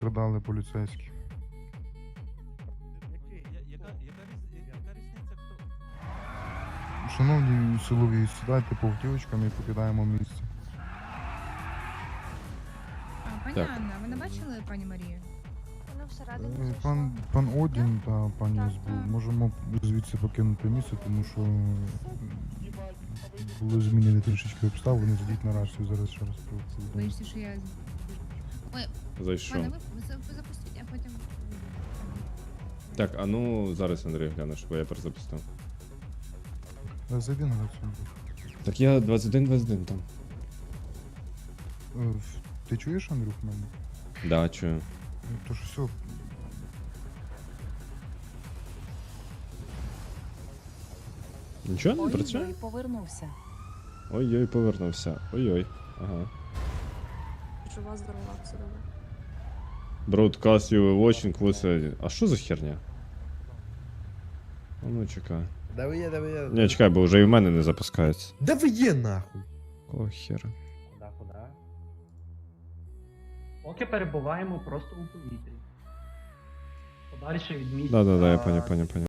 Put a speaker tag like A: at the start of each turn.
A: Продали поліцейські.
B: Яка різниця, хто?
A: Шановні силові, сідайте по автівочкам і покидаємо місце.
C: Пані
D: Так.
C: Анна, ви не бачили пані Марію?
E: Вона всередині зайшла.
A: Пан Одін та пані
E: Так,
A: СБУ,
E: так.
A: можемо звідси покинути місце, тому що були змінені трішечки обставини, зайдіть на рацію, зараз ще раз повідомлю.
C: Боїшся, що я... Ой,
D: Зайшов.
C: пане, ви запустіть, а потім...
D: Так, а ну зараз Андрій глянеш, бо я перезапустив.
A: Зайди на рацію.
D: Так я 21-21 там.
A: Ти чуєш, Андрюх, мене?
D: Да, чую.
A: Тож все,
D: Нічого не працює?
F: Ой, повернувся.
D: Ой-ой, повернувся. Ой-ой. Ага.
E: Жива, здорова, все добре.
D: Broadcast you watching was... А що за херня? А ну чекай.
G: Да ви є.
D: Ні, чекай, бо вже і в мене не запускається.
G: Да ви є нахуй.
D: О, хера.
H: Куди? Поки перебуваємо просто у повітрі. Подальше від місця.
D: Да-да-да, я поняв.